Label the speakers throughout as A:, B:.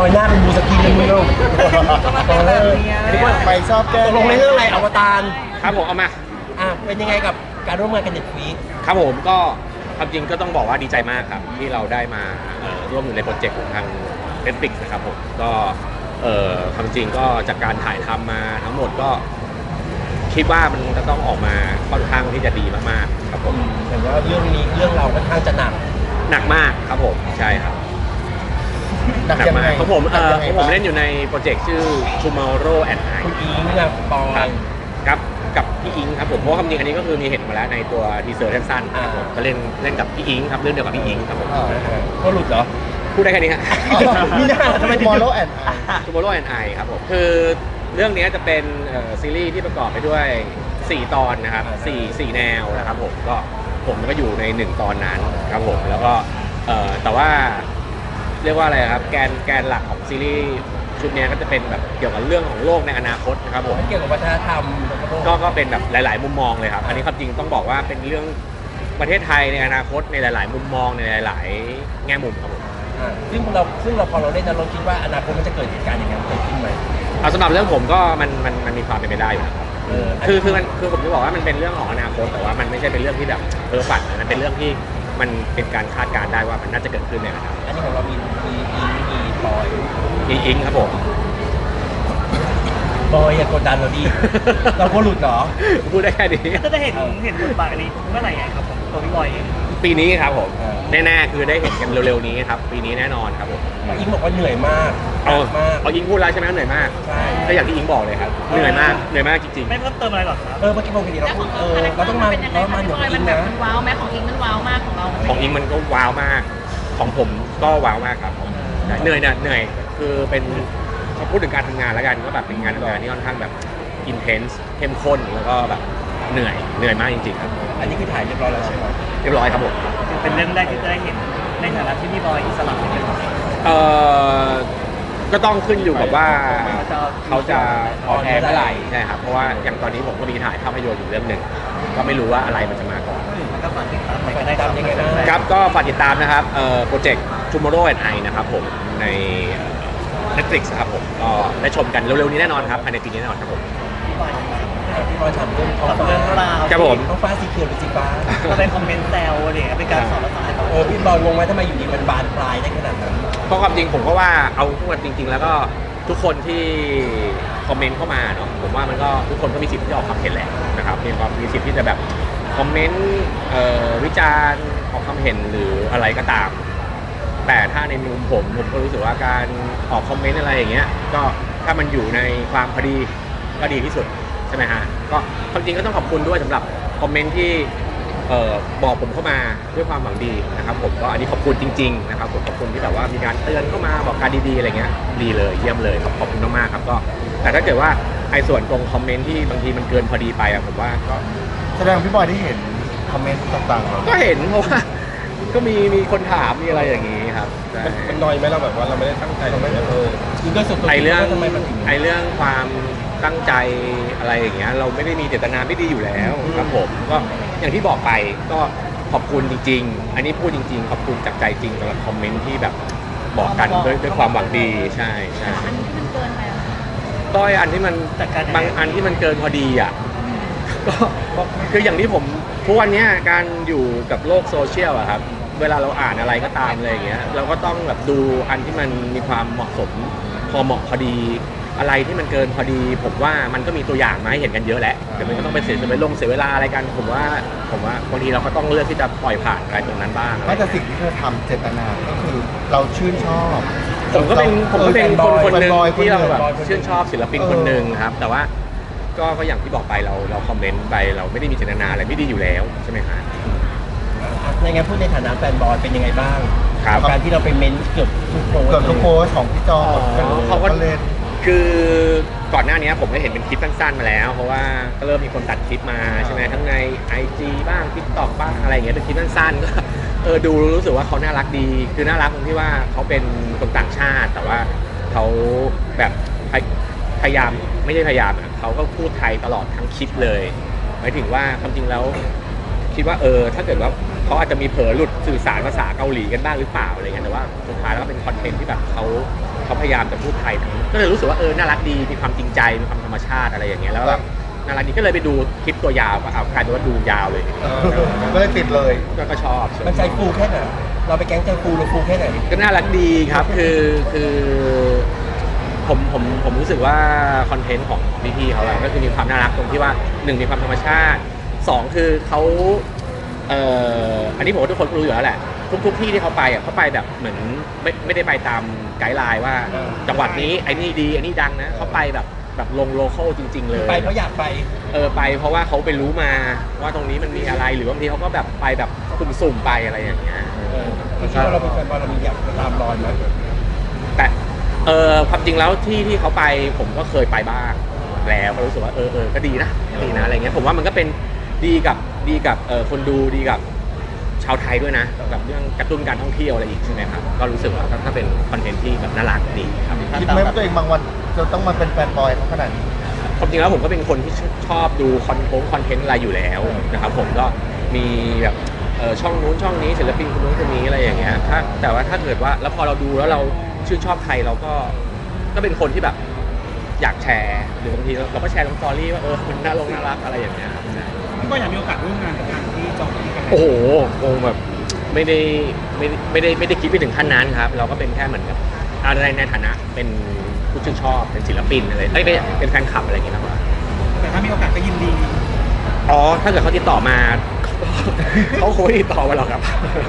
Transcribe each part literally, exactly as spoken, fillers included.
A: อยหน้าเป็นบูสกินเลยมึงลูก
B: นึกว่าไปชอบแก้
A: ลงในเรื่องอะไรอวตาร
C: ครับผมเอามา
A: อ่ะเป็นยังไงกับการร่วมงานกันเน็ตฟลิก
C: ครับผมก็ความจริงก็ต้องบอกว่าดีใจมากครับที่เราได้มาร่วมอยู่ในโปรเจกต์ของทาง Netflix นะครับผมก็ความจริงก็จากการถ่ายทำมาทั้งหมดก็คิดว่ามันจะต้องออกมาค่อนข้างที่จะดีมากๆครับผม
A: เห็นว่าเรื่องนี้เรื่องเราค่อนข้างจะหนัก
C: หนักมากครับผมใช่ครับ
B: หนักมาก
C: ของผมเออของผมเล่นอยู่ในโปรเจกต์ชื่อ Tomorrow and I
A: คุณอิงกับปอย
C: ครับกับพี่อิงครับผมเพราะความจริงอันนี้ก็คือมีเห็นมาแล้วในตัวทีเซอร์สั้นๆครับผมก็เล่นเล่นกับพี่อิงครับเรื่องเดียวกับพี่อิงครับผม
A: ก็หลุดเหรอ
C: พูดได้แค่นี้ฮะ
A: นี่น่าทำไม
B: Tomorrow and I
C: Tomorrow and I ครับผมคือเรื่องนี้จะเป็นซีรีส์ที่ประกอบไปด้วยสี่ตอนนะครับสี่ สี่แนวนะครับผมก็ผมก็อยู่ในหนึ่งตอนนั้นครับผมแล้วก็แต่ว่าเรียกว่าอะไรครับแกนแกนหลักของซีรีส์ชุดนี้ก็จะเป็นแบบเกี่ยวกับเรื่องของโลกในอนาคตนะครับผม
A: เกี่ยวกับวัฒนธรรม
C: ก็ก็เป็นแบบหลายๆมุมมองเลยครับอันนี้ความจริงต้องบอกว่าเป็นเรื่องประเทศไทยในอนาคตในหลายๆมุมมองในหลายๆแง่มุมครับผม
A: ซึ่งเราซึ่งเราพอเราเล่นเราคิดว่าอนาคตมันจะเกิดเหตุการณ์อย่างนั้นเกิดขึ้นไหม
C: เอาสำหรับเรื่องผมก็มันมันมันมีความเป็นไปได้อยู่นะครับคือคือมันคือผมจะบอกว่ามันเป็นเรื่องของอนาคตแต่ว่ามันไม่ใช่เป็นเรื่องที่แบบเพ้อฝันมันเป็นเรื่องที่มันเป็นการคาดการณ์ได้ว่ามันน่าจะเกิดขึ้นในอนาคต
A: อันนี้ของเรามีมีอิงมีบอย
C: มีอิงครับผม
A: บอยอย่ากดดันเราดิเราก็หลุดเหรอ
C: พูดได้แค่นี้
D: จะได้เห็นเห็นบทบาทอันนี้เมื่อไหร่ครับผมตัวพี่บอยเอง
C: ปีนี้ครับผมแน่ๆคือได้เห็นกันเร็วๆนี้ครับปีนี้แน่นอนครับผม
A: อิงบอกว่าเหนื่อยมาก
C: เอาเอาอิงพูดแล้วใช่ไหมเหนื่อยมาก
A: ใช่
C: ก็อย่างที่อิงบอกเลยครับเหนื่อยมากเหนื่อยมากจริงๆ
D: ไม่เพิ่มเติมอะไรหรอกครับ
A: เออเมื่อกี้บอกกันดีเราเออเราต้องมาเรามาเหนืออิงนะ
E: มันว้าวไหมของอิงมันว้าวมากของเรา
C: ของอิงมันก็ว้าวมากของผมก็ว้าวมากครับเหนื่อยเนี่ยเหนื่อยคือเป็นพูดถึงการทำงานแล้วกันก็แบบเป็นงานทำงานที่ค่อนข้างแบบอินเทนส์เข้มข้นแล้วก็แบบเหนื่อยเหนื่อยมากจริงๆครับ
A: อันนี้คือถ่ายเรียบร้อยแล้วใช่ไหม
C: เรียบร้อยครับผม
D: เป็นเรื่องแรกที่จะได้เห็นในฐานะที่พี่บอยอิสระเป็น
C: เอ่อก็ต้องขึ้นอยู่กับว่าเขาจะออนแอร์เมื่อไหร่ใช่ครับเพราะว่าอย่างตอนนี้ผมก็มีถ่ายภาพยนตร์อยู่เรื่องหนึ่งก็ไม่รู้ว่าอะไรมันจะมาก่อน
D: ก็ฝากติดตามก็ได้ครับยังไง
C: ครับก็ฝากติดตามนะครับเอ่อโปรเจกต์ Tomorrow and I นะครับผมใน Netflix ครับผมก็ได้ชมกันเร็วๆนี้แน่นอนครับภายในปีนี้แน่นอนครับผม
A: พี่บอยถามเรื่องท้องฟ้า
C: ครับผม
A: ท้องฟ้าสีเขียวหรือสีฟ้า
D: เป็นคอมเมนต์แซวอะไรเป็นการสอนภาษา
A: เออพี่บอยงงไหมทำไมอยู่ดีมันบานปลายได้ขนาดนั้น
C: เพราะความจริงผมก็ว่าเอาพูดจริงๆแล้วก็ทุกคนที่คอมเมนต์เข้ามาเนาะผมว่ามันก็ทุกคนก็มีสิทธิ์ที่จะออกความเห็นแหละนะครับมีความมีสิทธิ์ที่จะแบบคอมเมนต์วิจารณ์ออกความเห็นหรืออะไรก็ตามแต่ถ้าในมุมผมผมก็รู้สึกว่าการออกคอมเมนต์อะไรอย่างเงี้ยก็ถ้ามันอยู่ในความพอดีก็ดีที่สุดใช่ไหมฮะก็ความจริงก็ต้องขอบคุณด้วยสำหรับคอมเมนต์ที่เอ่อบอกผมเข้ามาด้วยความหวังดีนะครับผมก็อันนี้ขอบคุณจริงๆนะครับผมขอบคุณที่แบบว่ามีการเตือนเข้ามาบอกการดีๆอะไรเงี้ยดีเลยเยี่ยมเลยขอบขอบคุณมากๆครับก็แต่ถ้าเกิดว่าไอ้ส่วนตรงคอมเมนต์ที่บางทีมันเกินพอดีไปอะผมว่าก็
B: แสดงพี่บอยได้เห็นคอมเมนต์ต่างๆ
C: ก็เห็นเพราะว่าก็มีมีคนถามมีอะไรอย่างนี้ครับ
A: มันน้อยไหมเราแบบว่าเราไม่ได้ตั้งใจเราไม่เออคือก็สุด
C: ไอเรื่องไอเรื่องความตั้งใจอะไรอย่างเงี้ยเราไม่ได้มีเจตนาไม่ดีอยู่แล้วครับผมก็อย่างที่บอกไปก็ขอบคุณจริงๆอันนี้พูดจริงๆขอบคุณจากใจจริงสำหรับคอมเมนต์ที่แบบบอกกันด้วยด้วยความหวังดีใช่ใช่
E: อันที่มันเกินไป
C: ก็อันที่มันบางอันที่มันเกินพอดีอ่ะก็คืออย่างที่ผมทุกวันนี้การอยู่กับโลกโซเชียลอะครับเวลาเราอ่านอะไรก็ตามอะไรอย่างเงี้ยเราก็ต้องแบบดูอันที่มันมีความเหมาะสมพอเหมาะพอดีอะไรที่มันเกินพอดีผมว่ามันก็มีตัวอย่างมาให้เห็นกันเยอะแหละแต่มันก็ต้องไปเสียไปลงเสียเวลาอะไรกันผมว่าผมว่าบางทีเราก็ต้องเลือกที่จะปล่อยผ่านอะไรตรงนั้นบ้าง
B: ไม่แต่สิ่งที่เธอทำเจตนาก็คือเราชื่นชอบ
C: ผมก็เป็นผมก็เป็นคนคนหนึ่งที่เราแบบชื่นชอบศิลปินคนหนึ่งครับแต่ว่าก็ก็อย่างที่บอกไปเราเราคอมเมนต์ไปเราไม่ได้มีเจตนาอะไรไม่ดีอยู่แล้วใช่ไหมครับ
A: ในไงพูดในฐานะแฟนบอยเป็นยังไงบ้าง
C: ครับ
A: การที่เราไปเม้นเกือบทุกโพส
B: เกือบทุกโพสของพี่จอ
C: เขาก็เล่นคือก่อนหน้านี้ผมได้เห็นเป็นคลิปสั้นๆมาแล้วเพราะว่าก็เริ่มมีคนตัดคลิปมาใช่ไหมทั้งใน ไอ จี บ้าง TikTok บ้างอะไรอย่างเงี้ยเป็นคลิปสั้นๆก็เออดูรู้สึกว่าเขาน่ารักดีคือน่ารักตรงที่ว่าเขาเป็นคนต่างชาติแต่ว่าเขาแบบพยายามไม่ใช่พยายามอ่ะเขาก็พูดไทยตลอดทั้งคลิปเลยหมายถึงว่าความจริงแล้วคิดว่าเออถ้าเกิดว่าเขาอาจจะมีเผลอหลุดสื่อสารภาษาเกาหลีกันบ้างหรือเปล่าอะไรเงี้ยแต่ว่าสุดท้ายแล้วก็เป็นคอนเทนต์ที่แบบเขาเขเขาพยายามจะพูดไทยทั้งก็เลยรู้สึกว่าเออน่ารักดีมีความจริงใจมีความธรรมชาติอะไรอย่างเงี้ยแล้วแบบน่ารักดีก็เลยไปดูคลิปตัวยาวก็เอากลายเป็นว่าดูยาวเลย
B: เออก็เลยติดเลย
C: ก็ก็ชอบ
A: มันใจฟูแค่ไหนเราไปแก๊งใจฟูเราฟูแค่ไหน
C: ก็น่ารักดีครับคือคือผมผมผมรู้สึกว่าคอนเทนต์ของพี่ๆเขาอะก็คือมีความน่ารักตรงที่ว่าหนึ่งมีความธรรมชาติสองคือเขาเอ่ออันนี้ผมว่าทุกคนรู้อยู่แล้วแหละทุกทุกที่ที่เขาไปอะเขาไปแบบเหมือนไม่ไม่ได้ไปตามไกด์ไลน์ว่าจังหวัดนี้ไอ้นี่ดีไอ้นี่ดังนะเขาไปแบบแบบลงโลคอลจริง ๆ เลย
A: ไปเพราะอยากไป
C: เออไปเพราะว่าเขาไปรู้มาว่าตรงนี้มันมีอะไรหรือบางทีเขาก็แบบไปแบบสุ่มๆไปอะไรอย่างเงี้ย
A: เออที่คิดว่าเราเป็นแฟนบอลเรามีอยากไปตามรอยไหม
C: แต่เออความจริงแล้วที่ที่เขาไปผมก็เคยไปบ้างแล้วก็รู้สึกว่าเออเออก็ดีนะดีนะอะไรเงี้ยผมว่ามันก็เป็นดีกับดีกับเออคนดูดีกับชาวไทยด้วยนะกับเรื่องกระตุ้นการท่องเที่ยวอะไรอีกใช่ไหมครับก็รู้สึกว่าถ้าเป็นคอนเทนต์ที่แบบน่ารักดีครับ
B: คิดไหมว่าตัวเองบางวันจะต้องมาเป็นแฟนบอยเขาขนาดนี้
C: ความจริงแล้วผมก็เป็นคนที่ชอบดูคอนโทงคอนเทนต์อะไรอยู่แล้วนะครับผมก็มีแบบเออช่องนู้นช่องนี้ศิลปินคนนู้นคนนี้อะไรอย่างเงี้ยถ้าแต่ว่าถ้าเกิดว่าแล้วพอเราดูแล้วเราชื่นชอบใครเราก็ก็เป็นคนที่แบบอยากแชร์หรือบางทีเราก็แชร์ลงสตอรี่ว่าเออมันน่าลงน่ารักอะไรอย่างเงี้ยครับ
D: พี่บอยอยากมีโอกาสร่วมงานกับทางที่จองที่กัน
C: โอ้โหคงแบบไม่ได้ไม่ได้ไม่ได้ไม่ได้คิดไปถึงขั้นนั้นครับ เราก็เป็นแค่เหมือนกับอะไรในฐานะเป็นผู้ชื่นชอบเป็นศิลปินอะไรเอ้ยไม่เป็นแฟนคลับอะไรอย่างเงี้ยนะว่า
D: แต่ถ้ามีโอกาสก็ยินดี
C: อ๋อถ้าเกิดเขาติดต่อมา เขาคงไม่ติดต่อมาหรอกครับ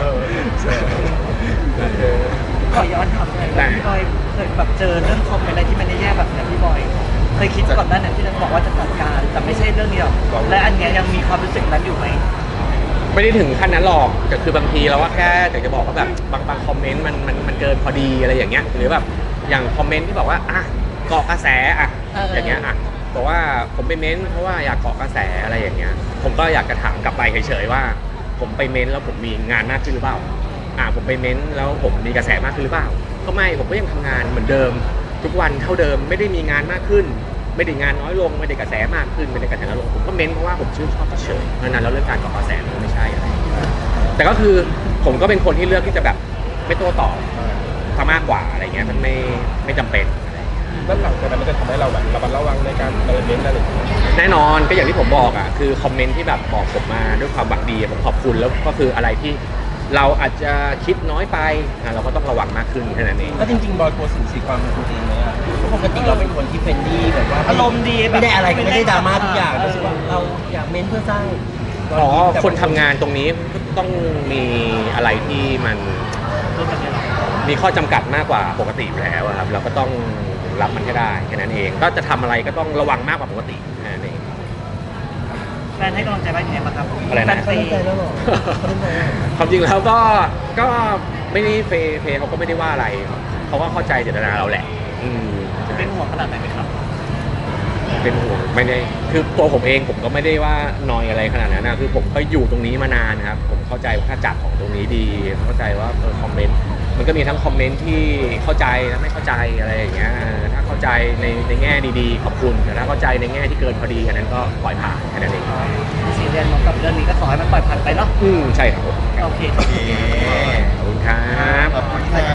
D: ขอย้อนถามหน่อย
C: ได้
D: ว่าพี่บอยเคยแบบเจอเรื่องคอมเมนต์อะไรที่มันแย่ๆแบบนี้พี่บอยเคยคิดก่อนหน้านั้นที่จะบอกว่าจะจัดการแต่ไม่ใช่เรื่องนี้หรอกและอันเนี้ยยังมีความรู้สึกนั้นอยู่ไหม
C: ไม่ได้ถึงขั้นนั้นหรอกแต่คือบางทีเราว่าแค่อยากจะบอกว่าแบบบางบางคอมเมนต์มันมันมันเกินพอดีอะไรอย่างเงี้ยหรือแบบอย่างคอมเมนต์ที่บอกว่าอ่ะเกาะกระแสอ่ะ
E: เออ
C: อ
E: อ
C: ย่างเงี้ยอ่ะบอกว่าผมไปเม้นเพราะว่าอยากเกาะกระแสอะไรอย่างเงี้ยผมก็อยากจะถามกลับไปเฉยๆว่า ผมไปเม้นแล้วผมมีงานมากขึ้นหรือเปล่าอ่ะผมไปเม้นแล้วผมมีกระแสมากขึ้นหรือเปล่าก็ไม่ผมก็ยังทำงานเหมือนเดิม ทุกวันเท่าเดิมไม่ได้มีงานมากขึ้น ไม่ได้งานน้อยลงไม่ได้กระแสมากขึ้นไม่ได้กระแสน้อยลงผมก็เม้นเพราะว่าผมชื่นชอบเฉยๆเพราะฉะนั้นแล้วเรื่องการเกาะกระแสมันก็ไม่ใช่อะไร แต่ก็คือผมก็เป็นคนที่เลือกที่จะแบบไม่โต้ตอบซะมากกว่าอะไรเงี้ยมันไม่ไม่จำเป็นอะไรเงี้ย
A: แล้วหลังจากนั้นมันจะทำให้เราแบบระมัดระวังในการเติมเน้นอะไรอย่างเงี้ย
C: แน่นอนก็อย่างที่ผมบอกอ่ะคือคอมเมนต์ที่แบบบอกผมมาด้วยความหวังดีผมขอบคุณแล้วก็คืออะไรที่เราอาจจะคิดน้อยไปอ่ะเราก็ต้องระวังมากขึ้นแค่นั้นเอง
A: แล้วจริงๆบอยกลัวสิ่งสีความเป็นตัวเองไหมอะเพราะปกติเราเป็นคนที่เฟรนดี้แบบว่า
D: อารมณ์ดีแบบ
A: ไม่ได้อะไรก็ไม่ได้ดราม่าทุกอย่าง
D: เออ
A: รู้สึกว่าเราอยากเม้นเพื่อสร้าง
C: อ๋อคนทำงานตรงนี้ต้องมีอะไรที่มัน
D: รู้จักไหมหรอ
C: มีข้อจำกัดมากกว่าปกติอยู่แล้วอะครับเราก็ต้องรับมันให้ได้แค่นั้นเองก็จะทำอะไรก็ต้องระวังมากกว่าปกติแค่นั้นเอง
D: แฟนให้กำลังใจบ้างยังไงบ้างครับ
C: อะไรนะ
D: แฟน
A: เขา
D: เฟ
A: เข้าใจแล้วเหรอเขาเข้าใจแล้วเหรอ
C: ความจริงแล้วก็ก็ไม่ได้เฟย์เฟย์เขาก็ไม่ได้ว่าอะไรเขาก็เข้าใจเจตนาเราแหละอืม
D: เป็นห่วงขนาดไหนไหมครับ
C: เป็นห่วงไม่ได้คือตัวผมเองผมก็ไม่ได้ว่านอยอะไรขนาดนั้นนะคือผมก็อยู่ตรงนี้มานานครับผมเข้าใจว่าถ้าจัดของตรงนี้ดีเข้าใจว่าเออคอมเมนต์มันก็มีทั้งคอมเมนต์ที่เข้าใจและไม่เข้าใจอะไรอย่างเงี้ยเออถ้าเข้าใจในในแง่ดีๆขอบคุณแต่ถ้าเข้าใจในแง่ที่เกินพอดีอันนั้นก็ปล่อยผ่านแค่นั้นเอง
D: ซีเรียสมองกับเรื่องนี้ก็ขอให้มันปล่อยผ่านไปเนาะ
C: อืมใช่ครับผม
D: โอเค
C: ขอบคุณครับ
B: ขอบคุณครับ